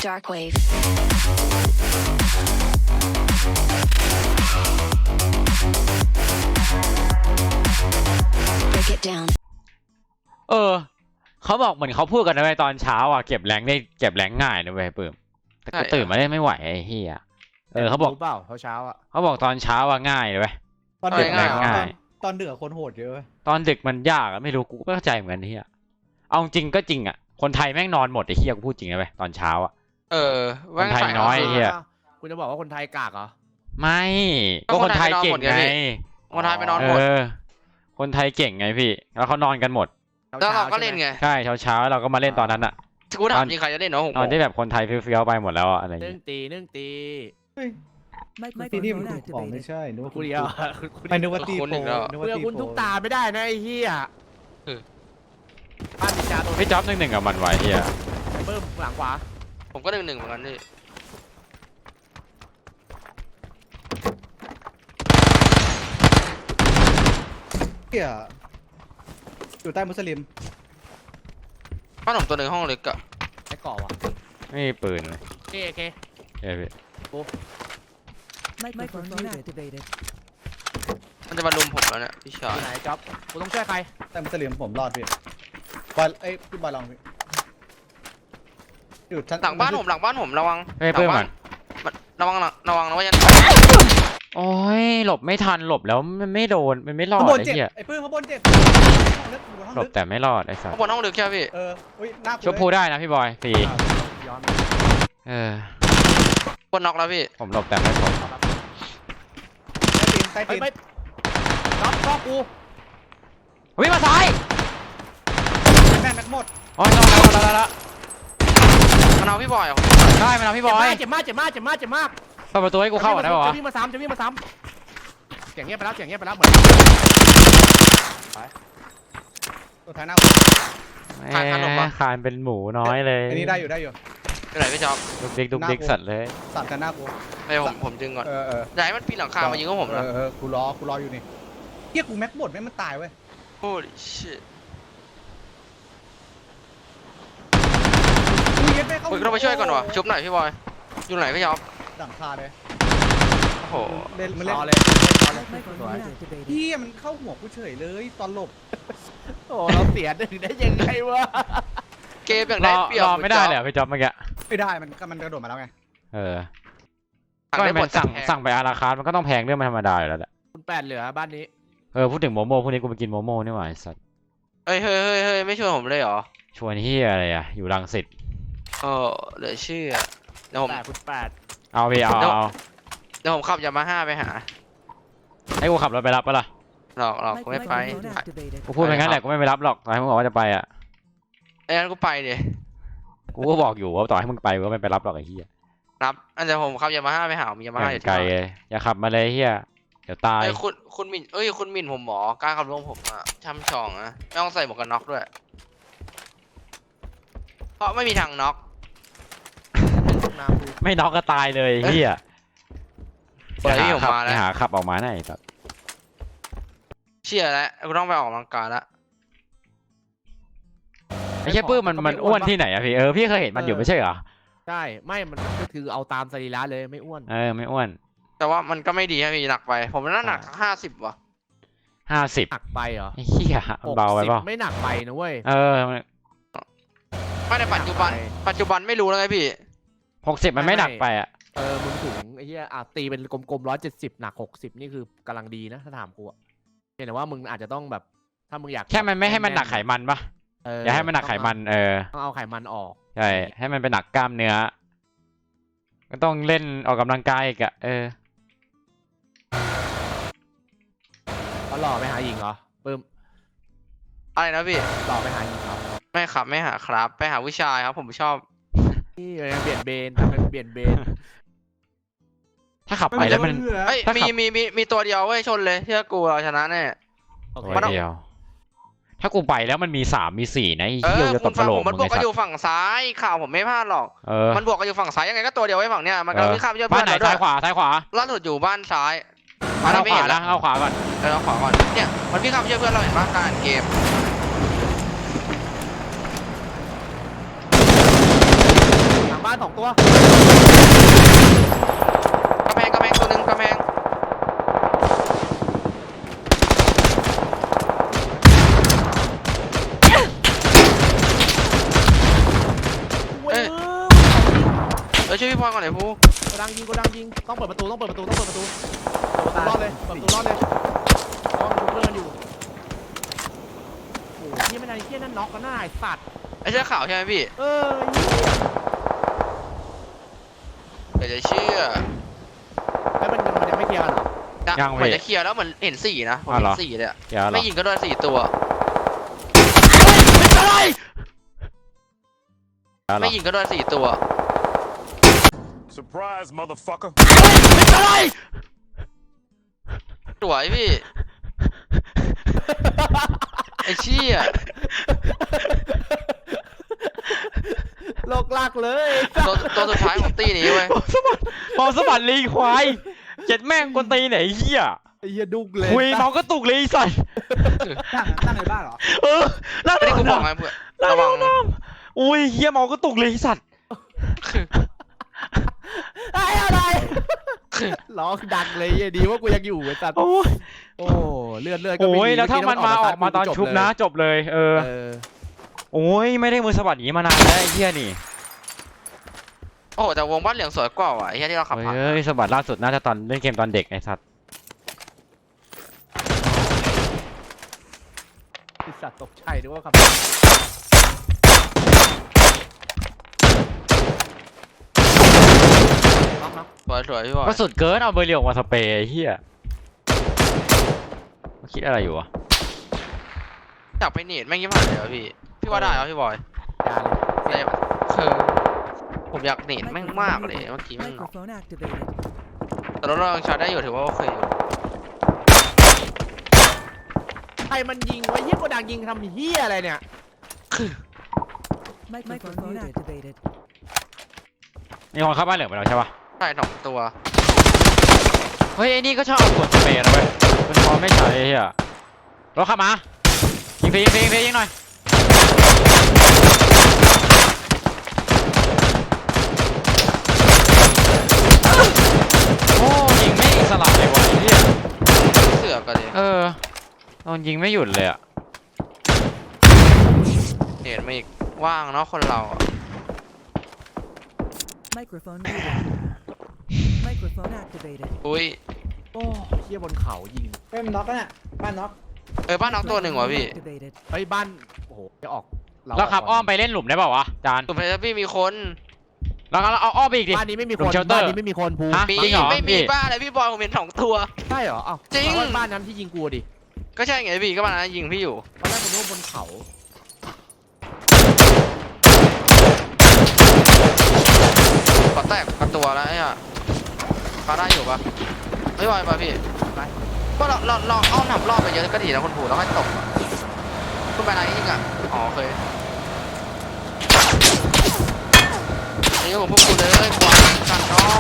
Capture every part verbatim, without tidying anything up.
Darkwave. Break it down. เออเขาบอกเหมือนเขาพูดกันนะเว้ยตอนเช้าอ่ะเก็บแรงได้เก็บแรงง่ายนะเว้ยเปิ่มแต่ก็ตื่นมาได้ไม่ไหวไอ้เหี้ยเออเขาบอกเปล่าเช้าอ่ะเขาบอกตอนเช้าอ่ะง่ายเลยเว้ยตอนดึกง่ายง่ายตอนดึกคนโหดเยอะตอนดึกมันยากอะไม่รู้กูก็เข้าใจเหมือนกันเหี้ยเอาจริงก็จริงอ่ะคนไทยแม่งนอนหมดไอ้เหี้ยกูพูดจริงนะเว้ยตอนเช้าอ่ะเออคนไทยน้อยไอ้เหี้ยคุณจะบอกว่าคนไทยกากเหรอไม่ก็คนไทยเก่งไงคนไทยไปนอนเอหมดอคนไทยเก่งไงพี่แล้วเขานอนกันหมดแล้วเราก็เล่นไงใช่เช้าเช้าๆเราก็มาเล่นตอนนั้นอ่ะกูถามจริงใครจะเล่นเนาะผมตอนที่แบบคนไทยเฟี้ยวๆไปหมดแล้วอะอะไรอย่างนึ่งเงี้ยตีนึ่งตีตีนี่มันถูกของไม่ใช่นึกว่ากูเดียวไม่นึกว่าตีโฟนึกเพื่ว่าอตีคุณโฟทุกตาไม่ได้นะไอ้เหี้ยบ้านนินจาตัวพี่จ๊อบหนึ่งหนึ่งกับมันไว้เฮียเบิ้มหลังขวาผมก็หนึ่งหนึ่งเหมือนกันนี่เกี่ยอยู่ใต้มุสลิมบ้านผมตัวหนึ่งห้องเล็กอะไอ้เกาะวะไม่มีปืนเลยโอเคโอเคเฮ้ยพี่ Microphone activated. มันจะมาลุมผมแล้วเนี่ยพี่ชาอย ยู่ไหนจ๊อบกูต้องช่วยใครใต้มุสลิมผมรอดพี่บอยเอ้ยพี่บอยลองพี่อยู่ชั้นหลังบ้านผมหลังบ้านผมระวังเฮ้ยเพื่อนมันระวังระวังนะว่ายันโอ้ยหลบไม่ทันหลบแล้วมันไม่โดนมันไม่รอดข้างบนไอ้เจ็บเหี้ยไอ้ปื้มข้างบนเจ็บห้องลึกอยู่ห้องหลบลึกแต่ไม่รอดไอ้สัสข้างบนห้องลึกใช่ไหมพี่เอออุ้ยหน้าชุบพูได้นะพี่บอยฟรีย้อนเออบนน็อกแล้วพี่ผมหลบแต่ไม่ผมใต้เฮ้ตียนไม่ใต้ตีนจ๊อบจ๊อบกูวิ่งมาซ้ายแม่แม็กหมดโอ้ยรอดแล้วรอดแล้วรอดแล้วมันเอาพี่บอยเหรอได้มาแล้วพี่บอยเจ็บมากเจ็บมากเจ็บมากเจ็บมากเปิดประตูให้กูเข้าก่อนได้ป่าวะจะวิ่งมาซ้ำจะวิ่งมาซ้ำเสียงเงียบไปแล้วเสียงเงียบไปแล้วเหมือนตัวท้ายหน้าแหมคานเป็นหมูน้อยเลยอันนี้ได้อยู่ได้อยู่ที่ไหนพี่จ๊อบดุกดิกดุกดิกสัตว์เลยสั่นกันหน้ากูไอ้ผมผมจึงก่อนเออเอออย่าให้มันปีนหลังคามายิงก็ผมเอนะอเออกูรอกูรออยู่นี่เฮียกูแม็กหมดไม่มันตายเว้ย Holy shit กูเย็ดไม่เข้าผมต้องไปช่วยก่อนวะชุบหน่อยพี่บอยอยู่ไหนพี่จ๊อบดังคาเลยโอ้โหเล่นมันเล่รอน เลยรอเลย Microphone activated. เฮียมันเข้าหัวกูเฉยเลยตอนหลบโอ้เราเสียหนึ่งได้ยังไงวะเกมอย่างรได้อเปรียบรอไม่ได้เลยเหรอพี่จ๊อบเมื่อกี้ไม่ได้มันมันกระโดดมาแล้วไงเออสั่งก็ได้หมมัดนสั่งแพสั่งไปอาราคาร์ทมันก็ต้องแพงเรื่องมันธรรมดาอยู่แล้วแหละคุณแปดเหลือบ้านนี้เออพูดถึงโมโม่พวกนี้กูไปกินโมโม่นี่หว่าไอ้สัสเฮ้ยเฮ้ยเฮ้ยเฮ้ยไม่ชวนผมเลยเหรอชวนเฮียอะไรอ่ะอยู่รังสิตเออเหลือเชื่อเดี๋ยวผมแปดคุณแปดเอาพี่เอาเอาเอาเดี๋ยวผมขับยามาฮ่าไปหาให้กูขับรถไปรับปะล่ะหลอกหลอกกูไม่ไป Microphone activated. กูพูดไปงั้นแหละกูไม่ไปรับหรอกต่อให้มึงบอกว่าจะไปอ่ะไอ้นั้นกูไปดิกูก็บอกอยู่ว่าต่อให้มึงไปกูก็ไม่ไปรับหรอกไอ้เหี้ยรับอันเดี๋ยวผมขับยามาฮ่าไปหามียามาฮ่าออยู่ย่างไกลที่บ้านเลยอย่าขับมาเลยเฮียเดี๋ยวตายเอ้ยคุณคุณหมินเอ้ยคุณหมินผมหมอกล้าขับรถผมอ่ะช่ำชองนะไม่ต้องใส่หมวกกันน็อกด้วยเพราะไม่มีทางน็อกน้ำดูไม่น็อกก็ตายเลยเฮียเปิดที่ผมขับมาแล้วหาขับออกมาไหนแบบเชื่อแล้วกูต้องไปออกกำลังกายแล้วไอ้เหี้ยปื้มมันมันอ้วนที่ไหนอะพี่เออพี่เคยเห็นมันอยู่ไม่ใช่เหรอใช่ไม่มันก็คือเอาตามสรีระเลยไม่อ้วนเออไม่อ้วนแต่ว่ามันก็ไม่ดีครับพี่หนักไป ผมน่าหนักห้าสิบว่ะห้าสิบหนักไปเหรอไอ้เหี้ยเบาไปเปล่าหกสิบไม่หนักไปนะเว้ยเออไม่ในปัจจุบัน ปัจจุบันไม่รู้แล้วไงพี่หกสิบมันไม่หนักไปอ่ะเออมึงถึงไอ้เหี้ยอ่ะตีเป็นกลมๆร้อยเจ็ดสิบหนักหกสิบนี่คือกำลังดีนะถ้าถามกูอะเห็นแต่ว่ามึงอาจจะต้องแบบถ้ามึงอยากแค่มันไม่ให้มันหนักไขมันปะเอออย่าให้มันหนักไขมันเออต้องเอาไขมันออกใช่ให้มันเป็นหนักกล้ามเนื้อก็ต้องเล่นออกกำลังกายอีกอะเออเขาหล่อไปหาหญิงเหรอปึ้มอะไรนะพี่หล่อไปหาหญิงเหรอไม่ครับไม่หาครับ ไปหาผู้ชายครับ ผมชอบนี่เลยเปลี่ยนเบนทำเป็นเปลี่ยนเบนถ้าขับไปแล้วมันเอ้ยถ้ามีขับมีมีมีตัวเดียวเว้ยชนเลยเชื่อกูเราชนะแน่โอเคตัวเดียว ถ้ากูไปแล้วมันมีสามมีสี่นะไอ้เอเหี้ยอจะตคุบณกฟัระงโหลผกมมันมึงบวกไอ้ก็สัอสยู่ฝั่งซ้ายข่าวผมไม่พลาดหรอกเออมันบวกกันอยู่ฝั่งซ้ายยังไงก็ตัวเดียวไว้ฝั่งเนี้ยมันก็เออวิ่งข้ามไปช่วยบ้าเพื่นอนไหนเราด้วซ้าย ยขวาซ้ายขวาล่าสุดอยู่บ้านซ้ายเอาอันขนี้ไม่วาเห็นนะนะเอาขวาก่อนเออเอาขวาก่อนเนี่ยมันวิ่งข้ามไปช่วยเพื่อนเราเห็นปะการอ่านเกมหลังบ้านานสองตัวกระแพงกระแพงตัวหนึ่งกระแพงเว้ยเออช่วยพี่พลอยก่อนหน่อยพูกระดังยิงกระดังยิงต้องเปิดประตูต้องเปิดประตูต้องเปิดประตูเปิดประตูรอดเลยเปิดประตูรอดเลยต้องดูเพื่อนอยู่โอ้ยนี่ไม่นานเที่ยนั่นน็อกกันหน้าไอ้สัตว์ไอ้เสื้อขาวใช่ไหมพี่เออเหี้ยเดี๋ยวจะเชื่อแล้วมันมันยังไม่เคลียร์กันเหรอนะยังเหมือนพี่จะเคลียร์แล้วเหมือนเห็นสี่นะผมอ๋อเหรเห็อนสี่เลยอะเดี๋ยวเหรอไม่ยิงก็โดนสี่ตัวเดี๋ยวเหรไม่อยิงก็โดนสี่ตัว Surprise, motherfucker. สวยพี่ ไอ้เชี่ยโลกลากเลยตัวตัวสุดท้ายของตีนี้เว้ยเมาสะบัดลีควายเจ็ดแม่งกวนตีนไหนเหี้ยไอ้เหี้ยดุกเลยคุยเมาก็ตุกเลยไอ้สัสตั้งตั้งในบ้านเหรอเออนั่งไม่ได้กูบอกน้ำไงเพื่อนนั่งระวังน้ำอุ้ยเหี้ยเมาก็ตุกเลยไอ้สัสไอ้อะไรร้องดังเลยเหี้ยดีว่ากูยังอยู่ไอ้สัตว์โอ้ยโอ้เลือดเลือดก็ไม่โอ้ยมีแล้วถ้ามันมาออกมาตอนชุบนะ จบเลย เออเออโอ้ยไม่ได้มือสะบัดอย่างนี้มานานแล้วไอ้เหี้ยนี่โอ้โหแต่วงบ้านเหลืองสวยกว่าว่ะไอ้เหี้ยที่เราขับผ่านเฮ้ยสะบัดล่าสุดน่าจะตอนเล่นเกมตอนเด็กไอ้สัสไอ้สัตว์ตกใจด้วยว่าครับน็อกน็อกสวยสวยพี่บอยก็สุดเกินเอาเบอร์เรียวออกมาสเปรย์ไอ้เหี้ยมันคิดอะไรอยู่วะอยากไปเนตแม่งยิ่งผ่านเลยวะพี่ พี่ว่าได้เหรอพี่บอยยาเลยได้ปะคือผมอยากเนตแม่งมากเลยเมื่อกี้แม่ง Microphone activated. แต่เราลองชาร์จได้อยู่ถือว่าโอเคอยู่ใครมันยิงไว้เหี้ยโกดังยิงทำเหี้ยอะไรเนี่ย Microphone activated. มีคนเข้าบ้านเหลืองไปแล้วใช่ปะใช่สองตัวเฮ้ยไอ้นี่ก็ชอบเอากดสเปรย์นะเว้ยเป็นพอไม่ใช่ไอ้เหี้ยรถขับมายิงฟรียิงฟรียิงฟรียิงหน่อยโอ้ยิงไม่สลับเลยวะไอ้เหี้ยเสือกกันเลยเออโดนยิงไม่หยุดเลยอะเนตมาอีกว่างเนาะคนเราอะ Microphone muted. Microphone activated. อุ้ยโอ้เหี้ยบนเขายิงเฮ้ยมันน็อกแล้วเนี่ยบ้านน็อกเออบ้านน้องตัวหนึ่งวะพี่ Activated. เฮ้ยบ้านโอ้โหจะออกเราขับอ้อมไปเล่นหลุมได้เปล่าวะจานตุ่มเพชรพี่มีคนเราเราเอาอ้อมไปอีกดิบ้านนี้ไม่มีหลุคมนเชลเตอร์บ้านนี้ไม่มีคนภูฮะมีจริงเหรอไม่มีพี่บ้าอะไรพี่บอยผมเห็นสองตัวใช่เหรอเอ้าจริงแปลว่าบ้านนั้นที่ยิงกูดิก็ใช่ไงพี่ก็บ้านนั้นยิงพี่อยู่ตอนแรกผมนึกว่าบนเขาขอแตกกับตัวแล้วไอ้อะพาได้อยู่ปะไม่ไหวปะพี่ไปก็เราเราเราอ้อมทำรอบไปเยอะก็ดีนะคนผูแล้วค่อยตกอะคุณไปไหนยิงอ่ะอ๋อโอเคนี่ผมพวกกูเลยกวาดกันเนาะ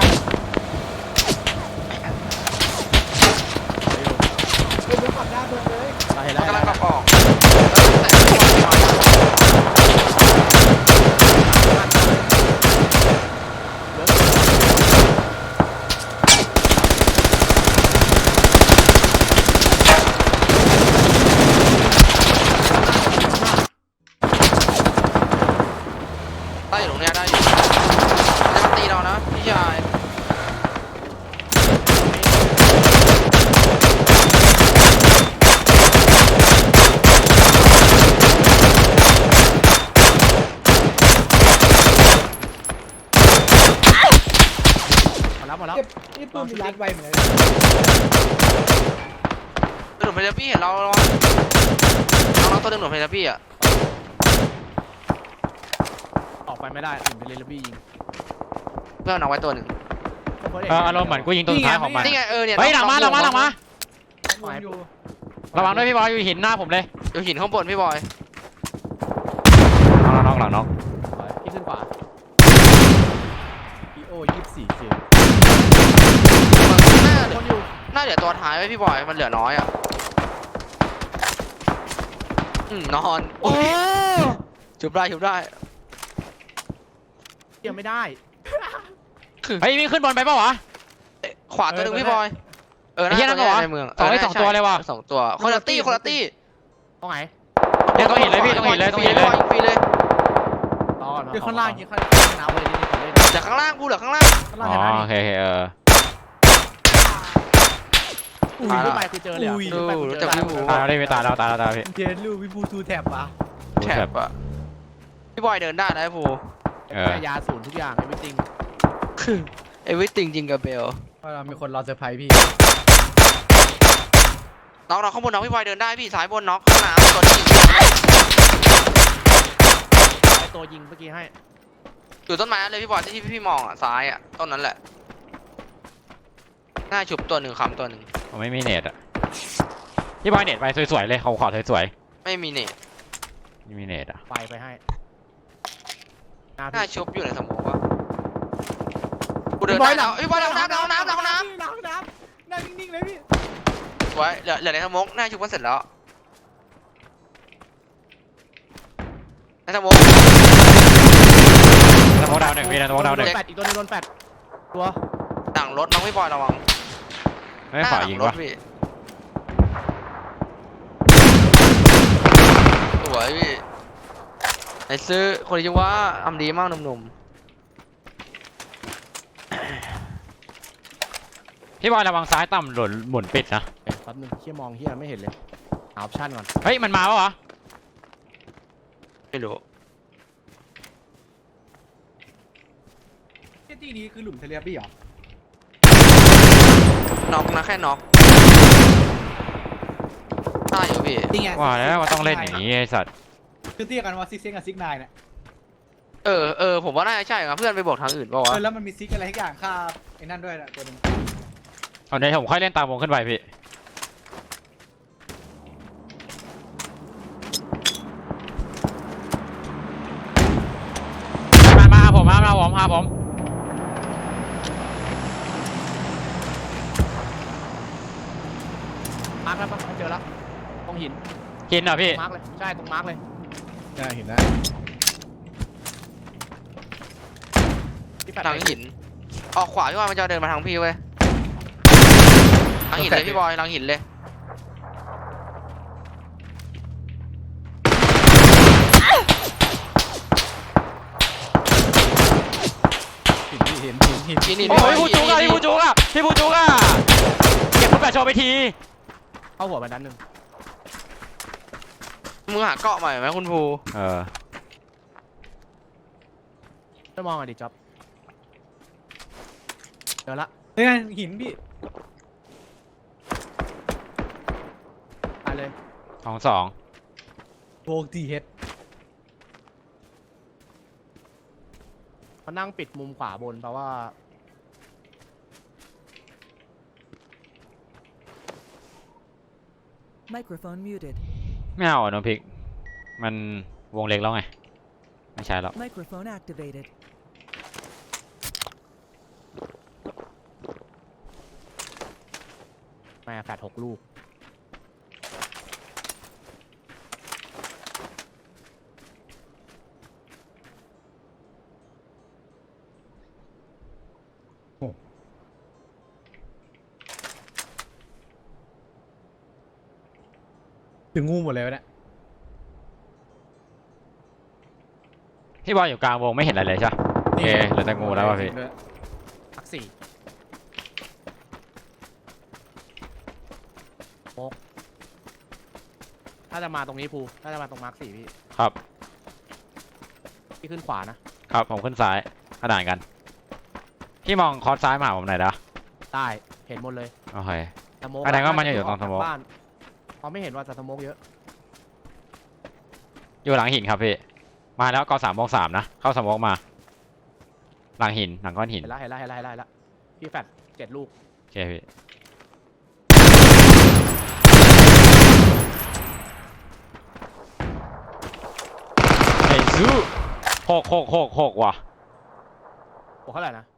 เฮ้ยมันขับได้เพิ่มเลยไปมัแล้นวกำลังกระป๋องแล้วแต่ไม่ไหวอะ ได้อยู่ตรงเนี้ยได้อยู่จะมาตีเรานะพี่ชายมาแล้วมาแล้วเก็บนี่ปืนมีรัดไวเหมือนกันหนุ่มเพลพี่เห็นเราเราน้องๆตัวหนึ่งหนุ่มเพลพี่อ่ะออกไปไม่ได้ถึงไปเลยแล้วพี่ยิงเพื่อนเอาไว้ตัวหนึ่งเอออารมณ์เหมือนกูยิงตัวสุดท้ายของมันนี่ไงเออเนี่ยเฮ้ยหลังมาหลังมาหลังมาวนอยู่ระวังด้วยพี่บอยอยู่หินหน้าผมเลยอยู่หินข้างบนพี่บอยน้องน้องหลังน้องพี่ขึ้นขวาพีโอยี่สิบสี่เจมน่าเหลืคอนอยู่น่าเหลือตัวท้ายไว้พี่บอยมันเหลือน้อยอ่ะอืมนอนโอ้ชุบได้ชุบได้เยังไม่ได้เฮ้ยวิ่งขึ้นบนไปเปล่าวะขวาตัวหนึ่งพี่บอยเออไอ้เหี้ยนั่นเหรอในเมืองสองได้สองตัวเลยว่ะสองตัวคนละตี้คนละตี้ตรงไหนเดี๋ยวต้องเห็นเลยพี่ต้องเห็นเลยต้องเห็นเลยฟรีเลยรอก่อนเดี๋ยวข้างล่างยิงข้างน้ำเลยนี่ผมเล่นเหลือข้างล่างกูเหลือข้างล่างข้างอ๋ล่างเห็นไหมอโอเคโอเคเอออุ้ยขึ้นไปคือเจอเลยอะอุ้ยขึ้นไปคือรู้เจจักอพี่แล้วหมูตายแล้วดิไม่ตายแล้วตายแล้วตายแล้วพี่เจนลูกพี่พูทูแท็บปะแถบอะพี่บอยเดินได้นะไอ้ภูเออแต่ยาศูนย์ทุกอย่างไอ้ไม่จริงเอวิติงจริงกับเบลเพราะเรามีคนรอเซอร์ไพรส์พี่น็อกน็อกข้างบนน็อกพี่บอยเดินได้พี่ซ้ายบนน็อกข้างหน้าตัวนี้ไอ้ตัวยิงเมื่อกี้ให้อยู่ต้นไม้นั่นเลยพี่บอยที่พี่มองอ่ะซ้ายอ่ะต้นนั้นแหละหน้าฉุบตัวหนึ่งคำตัวหนึ่งผมไม่มีเน็ตอ่ะพี่บอยเน็ตไปสวยๆเลยเขาขอสวยไม่มีเน็ตๆไม่มีเน็ตอ่ะไฟไปให้หน้าหน้าพี่ชุบอยู่ในสมองวะกูเดินได้แล้วพี่บอยเอาน้ำเอาน้ำเอาน้น้ำน้ำนั่งนิ่งๆเลยพี่ำไว้เหลือเหลือในสมองหน้าชุบก็เสร็จแล้วในสมองสโมองดาวหนึ่งพี่นะสโมองดาวหนึ่งแปดอีกตัวหนึงโดนแปดตัวหนังรถน้องพี่บอยระวังไม่ขอยิงหน้าหลัวะรถพี่สวยพี่ไอ้ซื้อคนที่ว่าทำดีมากหนุ่มพี่บอยระวังซ้ายต่ำหล่นหมุนปิดนะเอ๊ะแป๊บนึงเฮียมองเฮียไม่เห็นเลยหาออปชั่นก่อนเฮ้ยมันมาปะวะๆไม่รู้ที่นี้คือหลุมเทเลบี้เหรอน็อกนะแค่น็อกตายอยู่พี่นี่ไงว่าแล้วว่าต้องเล่นอย่างนี้ไอ้สัตว์คือเรียกกันว่าซิกเซนกับซิกนายเนี่ยเออเออผมว่าน่าจะใช่ครับเพื่อนไปบอกทางอื่นเปล่าวะเออแล้วมันมีซิกอะไรทุกอย่างค่าไอ้นั่นด้วยนะตัวหนึงเอาเดี๋ยวผมค่อยเล่นตามวงขึ้นไปพี่มามาหาผมมามาหาผมหาผมมาร์กแล้วปะเจอแล้วตรงหินกินเหรอพี่มาร์กเลยใช่ตรงมาร์กเลยได้เห็นแล้วที่แปดทางหินออกขวาพี่บอยมันจะเดินมาทางพี่เว้ยทางหินเลยพี่บอยทางหินเลยเห็นพี่เห็นเห็นเห็นหินหินโอ้ยพี่ผู้จุกอะพี่ผู้จุกอะพี่ผู้จุกอะเก็บลูกกระโชว์ไปทีเข้าหัวมันด้านหนึ่งมึงหาเกาะใหม่ไหมคุณภูเออช่วยมองอ่ะดิจ๊อบเจอละเฮ้ยหินพี่ตายเลยสองสองโบกทีเฮดเขานั่งปิดมุมขวาบนเพราะว่า Microphone muted. ไม่เอาอ่ะน้องพริก มันวงเล็กแล้วไง ไม่ใช่แล้ว Microphone activated. แม่แปดหกลูกถึงงูหมดเลยวะเนี่ยพี่บอยอยู่กลางวงไม่เห็นอะไรเลยใช่ปะโอเคเหลือแต่งูแล้วว่ะพี่พักสี่โป๊กถ้าจะมาตรงนี้ภูถ้าจะมาตรงมาร์คสี่พี่ครับพี่ขึ้นขวานะครับผมขึ้นซ้ายขนานกัน พี่มองคอร์สซ้ายมาหาผมหน่อยนะได้เห็นหมดเลยโอเคสโมกแสดงว่ามันอยู่ตรงสโมกบ้านเขาไม่เห็นว่าจะสโมกเยอะอยู่หลังหินครับพี่ มาแล้วก็สามโมงสามนะ เข้าสโมกมา หลังหิน หลังก้อนหินเห็นแล้วเห็นแล้วเห็นแล้วเห็นแล้วเห็นแล้วพี่แฟดเจ็ดลูกโอเคพี่เฮ้ยซูหกหกหกหกว่ะโอ้เท่าไหร่นะ